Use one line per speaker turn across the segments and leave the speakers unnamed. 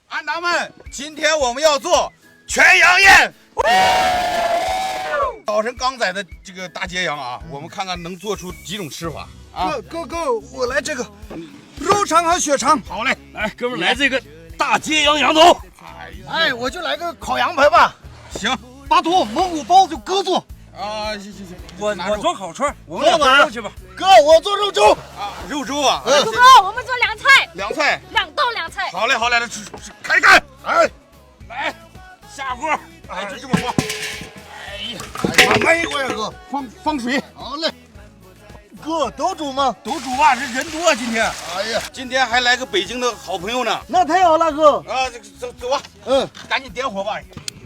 安达们，今天我们要做全羊宴。早晨刚宰的这个大揭羊啊，我们看看能做出几种吃法啊。
哥，我来这个肉肠和血肠。
好嘞，
来，哥们来这个大揭羊羊头。
哎，我就来个烤羊排吧。
行，
巴图蒙古包就哥做。
啊，行，
我做烤串，我们
俩
俩肉去吧。
哥，我做肉粥。
啊，肉粥啊。
主公，我们做凉菜。
凉菜。
2道凉菜。
好嘞，来吃，开干！哎，
来，下锅。
哎，就这么放。
哎呀，慢慢一锅呀，哥。
放水。
好嘞。哥，都煮吗？
都煮吧，这人多今天。
哎呀，
今天还来个北京的好朋友呢。
那太好了，哥。
啊，走吧。赶紧点火吧。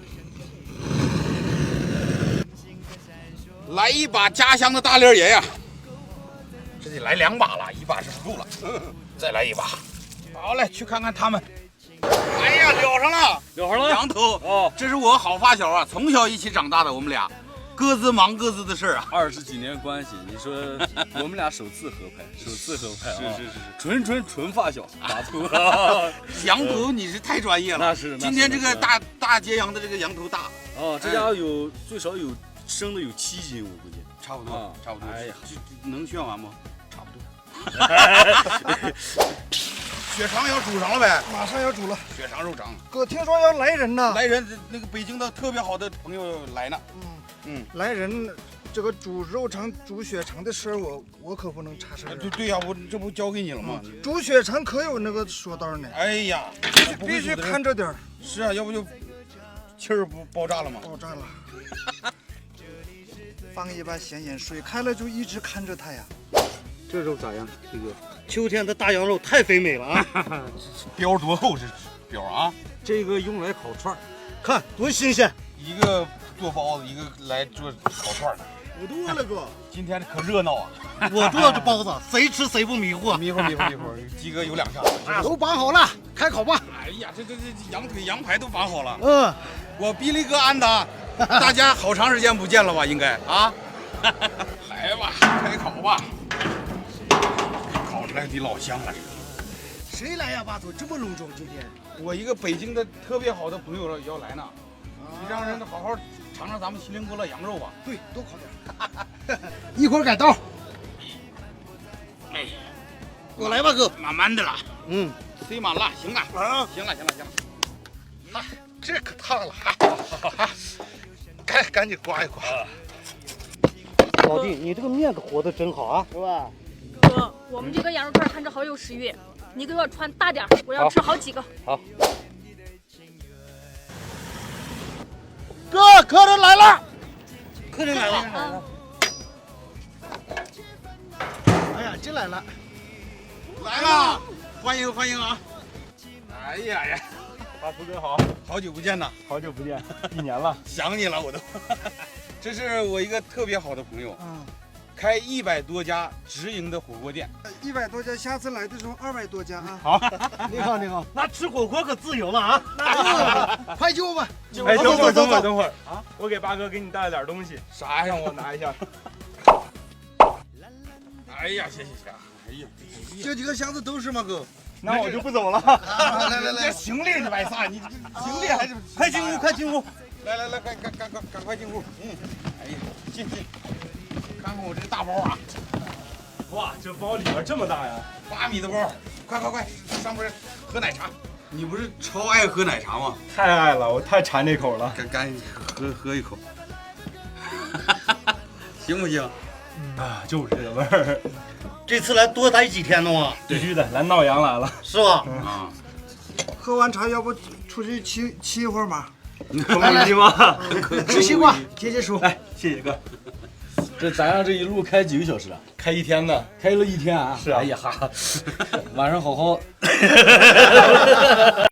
来一把家乡的大连爷呀！这得来2把了，一把是不够了。再来一把。好嘞，去看看他们。哎呀，燎上了，羊头哦，这是我好发小啊，从小一起长大的，我们俩各自忙各自的事啊。
20几年关系，你说我们俩首次合拍啊！是，纯发小，打图。
羊头你是太专业了，
那是。
今天这个大揭羊的这个羊头大
哦，这家有最少有生的有7斤，我估计。
差不多。哎呀，这能炫完吗？差不多。血肠要煮上了呗？
马上要煮了。
血肠肉肠。
哥，听说要来人呢。
来人，那个北京的特别好的朋友来呢。
来人，这个煮肉肠、煮血肠的事儿，我可不能插手。
对呀，我这不交给你了吗？
煮血肠可有那个说道呢。
哎呀，
必须看着点儿。
是啊，要不就气儿不爆炸了吗？
爆炸了。放一把咸盐，水开了就一直看着它呀。
这肉咋样，这个秋天的大羊肉太肥美了啊！
膘多厚这膘啊！
这个用来烤串，看多新鲜。
一个做包子，一个来做烤串的。
我多了哥，
今天可热闹啊！
我做这包子，谁吃谁不迷糊。
迷糊，鸡哥有2下。
都绑好了，开烤吧。
哎呀，这羊腿、羊排都绑好了。我比利哥安达，大家好长时间不见了吧？应该啊。来吧，开烤吧。烤出来得老香了，这个。
谁来呀，巴图？这么隆重今天？
我一个北京的特别好的朋友要来呢。你让人好好尝尝咱们锡林郭勒羊肉吧。
对，多烤点。一会儿改刀。
哎，
我来吧，哥。
慢慢的了。塞满了，行了。行了。
啊，这可烫了。赶紧刮一刮。
老弟，你这个面子和的真好啊，是吧？
哥，我们这个羊肉串看着好有食欲，你给我穿大点，我要吃好几个。
好。
哥，客人来了。
客人来了。
哎呀，进来了。
来了，欢迎啊！哎呀，
巴图哥好，
好久不见呐！
好久不见，1年了，
想你了我都。这是我一个特别好的朋友，开100多家直营的火锅店
，100多家，下次来的时候200多家啊。
好，
你好，
那吃火锅可自由了啊！
快救吧！
哎，等会儿啊！我给八哥给你带了点东西，
啥呀？
让我拿一下。
哎呀，谢。哎呀，
这几个箱子都是吗，哥？
那我就不走了。
来，行李你白撒，你行李还是
快进屋！
来，赶快进屋。哎呀，进，看看我这个大包啊！
哇，这包里边这么大呀
！8米的包，快，上边喝奶茶。你不是超爱喝奶茶吗？
太爱了，我太馋这口了。
赶紧喝一口，行不行？
啊，就是这个味儿。
这次来多待几天呢吗？
必须的，来闹羊来了，
是吧？
喝完茶要不出去骑一会儿马？
来吗？
吃西瓜，解手。
来，谢谢哥。这咱俩这一路开几个小时啊？开1天呢，开了1天啊。是啊。哎呀哈，晚上好好。